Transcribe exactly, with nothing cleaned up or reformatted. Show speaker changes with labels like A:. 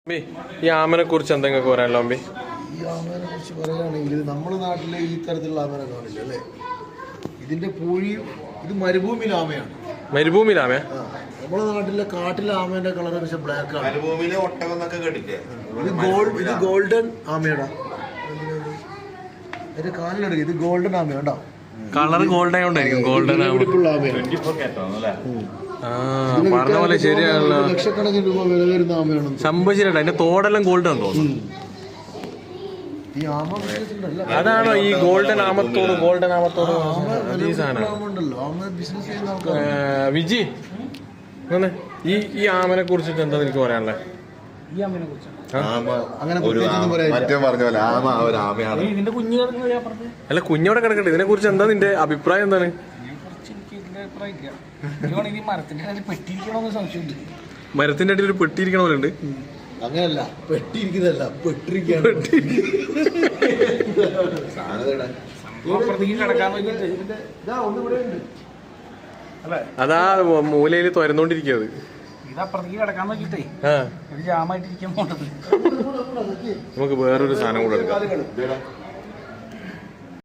A: ഈ ആമനെ കുറിച്ച് എന്തെങ്കിലും പറയാനല്ലോ അമ്പി?
B: ഈ ആമേനെ കുറിച്ച് പറയുകയാണെങ്കിൽ നമ്മുടെ നാട്ടിലെ ഈ തരത്തിലുള്ള ആമേനെ കാണില്ല അല്ലേ. ഇതിന്റെ പൂഴി ഇത് മരുഭൂമിയിലെ ആമയാണ്.
A: മരുഭൂമിയിലെ ആമ?
B: നമ്മുടെ നാട്ടിലെ കാട്ടിലെ ആമേന്റെ കളർ പക്ഷെ ബ്ലാക്ക് ആണ്.
C: മരുഭൂമിയിലെ ഒട്ടകം എന്നൊക്കെ കേട്ടില്ലേ?
B: ഇത് ഗോൾഡ് ഇത് ഗോൾഡൻ ആമയാടാ. അതിന്റെ കാലിലെടുക്കുക. ഇത് ഗോൾഡൻ ആമ കണ്ടോ?
A: കളർ ഗോൾഡൻ ആയോണ്ടായിരിക്കും ഗോൾഡൻ പറഞ്ഞ പോലെ ശരിയാണല്ലോ.
B: ലക്ഷക്കണക്കിന് രൂപ വില വരുന്ന ആമയാണ്.
A: സംഭവം ശരിയാ. അതിന്റെ തോടെല്ലാം ഗോൾഡൻ തോന്നുന്നു.
B: ഈ ആമ
A: അതാണോ ഈ ഗോൾഡൻ ആമത്തോട്? ഗോൾഡൻ ആമത്തോട് ഈ സാധനം വിജി ഈ ഈ ആമനെ കുറിച്ചിട്ട് എന്താ എനിക്ക് പറയാനുള്ളത്? അല്ല കുഞ്ഞോടെ കിടക്കട്ടെ, ഇതിനെ കുറിച്ച് എന്താ നിന്റെ അഭിപ്രായം? എന്താണ് മരത്തിന്റെ അടിയിൽ ഒരു പെട്ടിയിരിക്കണ പോലെ ഉണ്ട്.
B: അങ്ങനല്ല, പെട്ടിരിക്കുന്നതല്ല, പെട്ടിരിക്കുകയാണ്.
A: അതാ മൂലയിൽ തുരന്നോണ്ടിരിക്കുന്നത്. നമുക്ക് വേറൊരു സാധനം കൂടെ എടുക്കാം.